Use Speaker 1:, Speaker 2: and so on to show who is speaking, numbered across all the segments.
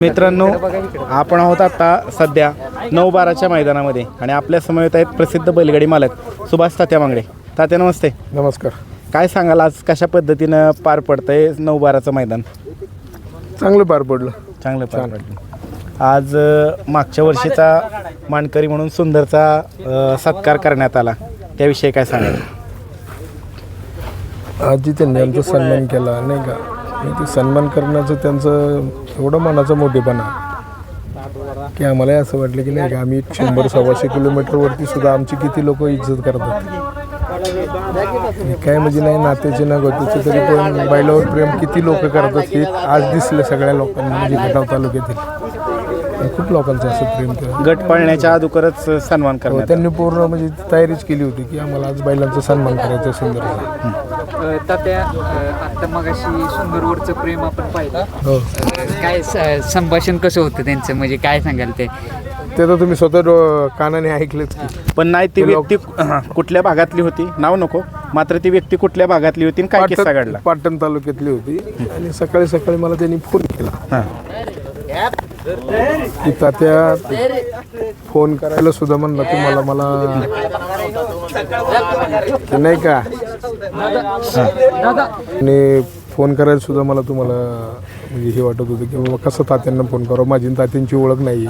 Speaker 1: मित्रांनो, आपण आहोत आता सध्या 9/12च्या मैदानामध्ये आणि आपल्या समवेत आहेत प्रसिद्ध बैलगाडी मालक सुभाष तात्या मांगडे. तात्या नमस्ते.
Speaker 2: नमस्कार.
Speaker 1: काय सांगाल आज कशा पद्धतीनं पार पडतंय 9/12चं मैदान?
Speaker 2: चांगलं पार पडलं.
Speaker 1: चांगलं पार पडलं. आज मागच्या वर्षीचा मानकरी म्हणून सुंदरचा सत्कार करण्यात आला, त्याविषयी काय सांगाल?
Speaker 2: आजी त्यांनी आमचा सन्मान केला नाही का, आणि ते सन्मान करण्याचं त्यांचं एवढं मनाचा मोठेपणा की आम्हाला असं वाटलं की नाही का आम्ही 100-125 किलोमीटरवरती सुद्धा आमची किती लोक इज्जत करतात. काय म्हणजे नाही नात्याचे ना गोत्याचे तरी पण बैलावर प्रेम किती लोक करतात हे आज दिसलं सगळ्या लोकांना. म्हणजे खटाव तालुक्यातील खूप लोकांचं असं प्रेम केलं.
Speaker 1: गट पाळण्याच्या अगोदरच सन्मान करण्यात
Speaker 2: त्यांनी पूर्ण म्हणजे तयारीच केली होती की आम्हाला आज बैलांचा सन्मान करायचा. सुंदर
Speaker 3: तात्या आता मगाशी सुंदरवरचं प्रेम आपण पाहिलं.
Speaker 2: हो,
Speaker 3: काय संभाषण कसं होतं त्यांचं, म्हणजे काय सांगाल ते
Speaker 2: तर तुम्ही स्वतः कानाने ऐकलेच की.
Speaker 1: पण नाही ती व्यक्ती कुठल्या भागातली होती, नाव नको, मात्र ती व्यक्ती कुठल्या भागातली होती आणि काय किस्सा घडला?
Speaker 2: पाटण तालुक्यातली होती आणि सकाळी सकाळी मला त्यांनी फोन केला
Speaker 1: हां,
Speaker 2: की तात्या फोन करायला सुद्धा म्हणला तुम्हाला मला की नाही का, आणि फोन करायला सुद्धा मला तुम्हाला म्हणजे हे वाटत होतं की बाबा कसं तात्यांना फोन करावं, माझी आणि तात्यांची ओळख नाही.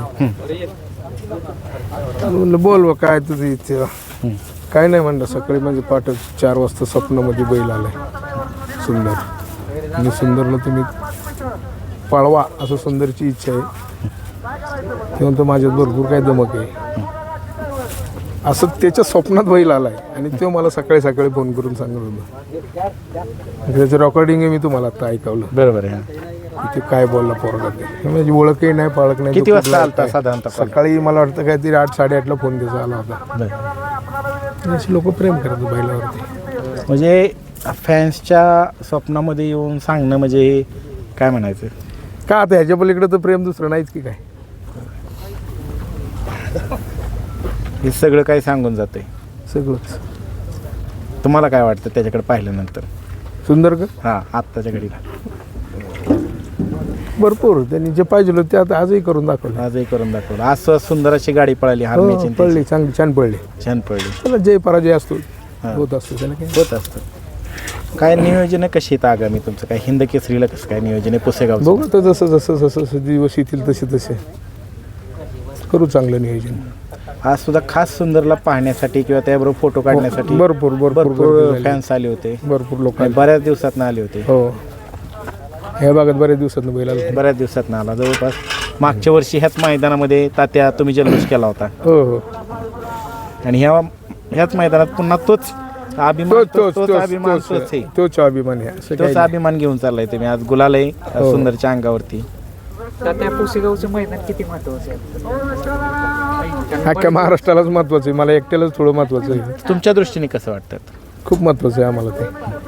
Speaker 2: म्हणलं बोल बा काय तुझी इच्छा. काय नाही म्हणलं, सकाळी म्हणजे पहाटे 4 वाजता स्वप्नामध्ये बैल आलाय सुंदर, आणि सुंदरला तुम्ही पळवा असं सुंदरची इच्छा आहे. ते म्हणतो माझ्यात भरपूर काय दमक आहे असं त्याच्या स्वप्नात बैल आलाय, आणि तो मला सकाळी सकाळी फोन करून सांगत होता. त्याचं रेकॉर्डिंग मी तुम्हाला आता ऐकवलं.
Speaker 1: बरोबर आहे.
Speaker 2: ते काय बोलला पोरगा ते, म्हणजे ओळखही नाही पाळख नाही.
Speaker 1: किती वाजता आलता साधारणतः?
Speaker 2: सकाळी मला वाटतं काहीतरी 8-8:30ला फोन त्याचा आला होता. अशी लोक प्रेम करतात बैलावरती.
Speaker 1: म्हणजे फॅन्सच्या स्वप्नामध्ये येऊन सांगणं म्हणजे काय म्हणायचं
Speaker 2: का आता ह्याच्या पलीकडे तर प्रेम दुसरं नाहीच की काय.
Speaker 1: हे सगळं काही सांगून जातंय.
Speaker 2: सगळंच.
Speaker 1: तुम्हाला काय वाटतं त्याच्याकडे पाहिल्यानंतर?
Speaker 2: सुंदर का?
Speaker 1: हां, आत्ताच्या घडीला
Speaker 2: भरपूर त्यांनी जे पाहिजे होतं ते आता आजही करून दाखवलं.
Speaker 1: आजही करून दाखवलं. आज सुंदर अशी गाडी पळाली,
Speaker 2: हो,
Speaker 1: हारण्याची
Speaker 2: पडली चांगली, छान पडली.
Speaker 1: छान पळली.
Speaker 2: त्याला जय पराजय असतो, होत असतो त्याला काय.
Speaker 1: होत असतं. काय नियोजन आहे कशी आहेत आगामी तुमचं? काय हिंद केसरीला कसं काय नियोजन आहे पुसेगाव?
Speaker 2: बघू तर जसं जसं जसं जसं दिवस येतील तसे तसे करू चांगलं नियोजन.
Speaker 1: आज सुद्धा खास सुंदरला पाहण्यासाठी किंवा त्याबरोबर फोटो काढण्यासाठी
Speaker 2: भरपूर
Speaker 1: भरपूर फॅन्स आले होते.
Speaker 2: भरपूर लोक
Speaker 1: बऱ्याच दिवसात आले होते.
Speaker 2: हो, ह्या भागात बऱ्याच दिवसात बैल आला.
Speaker 1: बऱ्याच दिवसात आला. जवळपास मागच्या वर्षी ह्याच मैदानामध्ये तात्या तुम्ही जल्लोष केला होता,
Speaker 2: हो हो,
Speaker 1: आणि ह्याच मैदानात पुन्हा तोच अभिमान,
Speaker 2: तोच अभिमान आहे.
Speaker 1: तोच अभिमान घेऊन चाललाय तुम्ही. आज गुलाल आहे सुंदरच्या अंगावरती.
Speaker 3: तात्या पुसेगावचं मैदान किती महत्वाचं आहे?
Speaker 2: अख्ख्या महाराष्ट्रालाच महत्वाचं आहे, मला एकट्यालाच थोडं महत्वाचं आहे.
Speaker 1: तुमच्या दृष्टीने कसं वाटतं?
Speaker 2: खूप महत्वाचं आहे आम्हाला ते.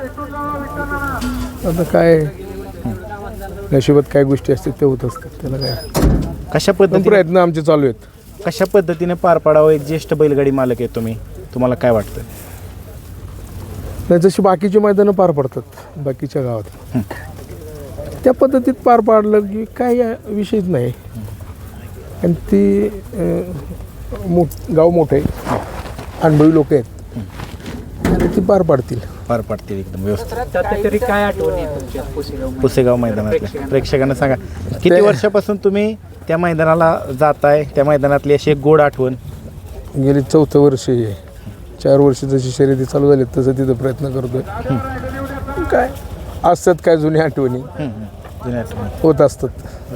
Speaker 2: आता काय नशिबात काय गोष्टी असतात ते होत असतात, त्याला काय.
Speaker 1: कशा पद्धतीने
Speaker 2: प्रयत्न आमचे चालू आहेत.
Speaker 1: कशा पद्धतीने पार पाडावं? एक ज्येष्ठ बैलगाडी मालक आहे तुम्ही, तुम्हाला काय वाटतं?
Speaker 2: नाही, जशी बाकीची मैदानं पार पडतात बाकीच्या गावात, त्या पद्धतीत पार पाडलं की काय विषयच नाही. आणि ती गाव मोठं आहे, अनुभवी लोक आहेत, आणि ती पार पाडतील
Speaker 1: एकदम व्यवस्थित.
Speaker 3: तरी काय आठवण आहे तुमच्या
Speaker 1: पुसेगाव मैदानातल्या प्रेक्षकांना सांगा, किती वर्षापासून तुम्ही त्या मैदानाला जाताय? त्या मैदानातली अशी एक गोड आठवण?
Speaker 2: गेली 4थं वर्ष आहे. 4 वर्ष जशी शर्यती चालू झाली तसं तिथं प्रयत्न करतोय. काय असतात काय जुन्या आठवणी
Speaker 1: जुन्या आठवणी
Speaker 2: होत असतात.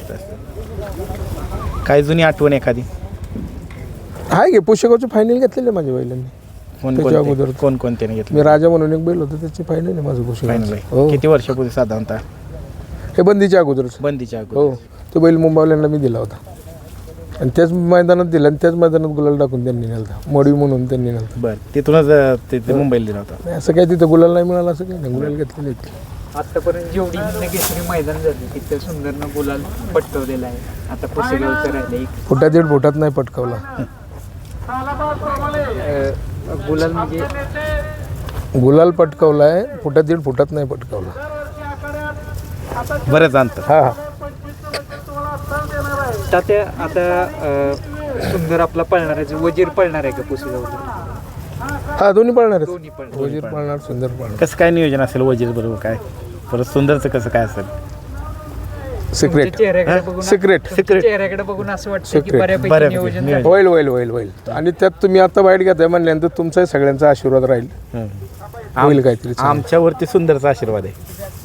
Speaker 1: काय जुनी आठवण एखादी
Speaker 2: आहे की पुष्यगावचे फायनल घेतलेले माझ्या बैलांनी. त्याच्या अगोदर
Speaker 1: कोणकोणत्याने घेतलं?
Speaker 2: मी राजा म्हणून एक बैल होतं, त्याची फायनल आहे माझं पुष्यगाव.
Speaker 1: फायनल किती वर्षापूर्वी साधारणतः?
Speaker 2: हे बंदीच्या अगोदरच.
Speaker 1: बंदीच्या
Speaker 2: हो, तो बैल मुंबईवाल्यांना मी दिला होता, आणि त्याच मैदानात दिला, आणि त्याच मैदानात गुलाल टाकून त्यांनी नेलता. मडी म्हणून त्यांनी नेलता.
Speaker 1: बरं, तिथूनच ते मुंबईला दिला होता.
Speaker 2: असं काय तिथं गुलाल नाही मिळाला असं काही नाही, गुलाल घेतलेले.
Speaker 3: आतापर्यंत जेवढी हिंदकेसरी मैदान झाली तिथं सुंदरनं गुलाल पटकवलेला आहे. आता पुसेगावचं राहिलं एक
Speaker 2: फुटा 1.5 फुटात नाही पटकावला
Speaker 3: गुलाल, म्हणजे
Speaker 2: गुलाल पटकावलाय, फुटा 1.5 फुटात नाही पटकावला.
Speaker 1: बरेच अंतर.
Speaker 2: हा हा.
Speaker 3: तात्या आता सुंदर आपला पळणार आहे जो वजीर पळणार आहे का पुसेगावचा?
Speaker 2: हा दोन्ही पळणार
Speaker 3: दोन्ही
Speaker 2: आहेत.
Speaker 3: पळणार.
Speaker 2: वजीर पळणार, सुंदर पळणार.
Speaker 1: कसं काय नियोजन असेल वजीर बरोबर काय परत सुंदरचं कसं काय असेल?
Speaker 2: सिक्रेट
Speaker 3: तुमच्या चेहऱ्याकडे बघून
Speaker 2: सिक्रेट
Speaker 3: तुमच्या चेहऱ्याकडे बघून असं वाटतं की
Speaker 2: Secret.
Speaker 3: बऱ्यापैकी
Speaker 1: बऱ्यापैकी
Speaker 3: नियोजन
Speaker 1: नियोजन.
Speaker 3: झालं.
Speaker 2: होईल होईल होईल होईल. आणि त्यात तुम्ही आता बाईट घेताय म्हणल्यानंतर तुमचाही सगळ्यांचा आशीर्वाद राहील. होईल काहीतरी चांगलं.
Speaker 1: आमच्यावरती सुंदरचा आशीर्वाद आहे.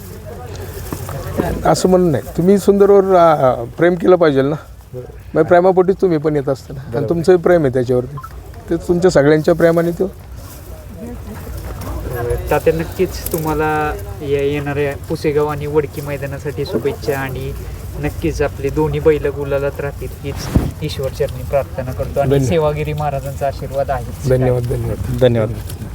Speaker 2: असं म्हणून नाही, तुम्ही सुंदरवर प्रेम केलं पाहिजे ना. मग प्रेमापोटीच तुम्ही पण येत असता ना, आणि तुमचंही प्रेम आहे त्याच्यावरती. ते तुमच्या सगळ्यांच्या प्रेमाने तो
Speaker 3: तात्या नक्कीच तुम्हाला येणाऱ्या पुसेगाव आणि वडकी मैदानासाठी शुभेच्छा आणि नक्कीच आपले दोन्ही बैल गुलालात राहतील हीच ईश्वर चरणी प्रार्थना करतो आणि
Speaker 2: धन्यवाद.
Speaker 3: सेवागिरी महाराजांचा आशीर्वाद आहे.
Speaker 2: धन्यवाद धन्यवाद.
Speaker 1: धन्यवाद.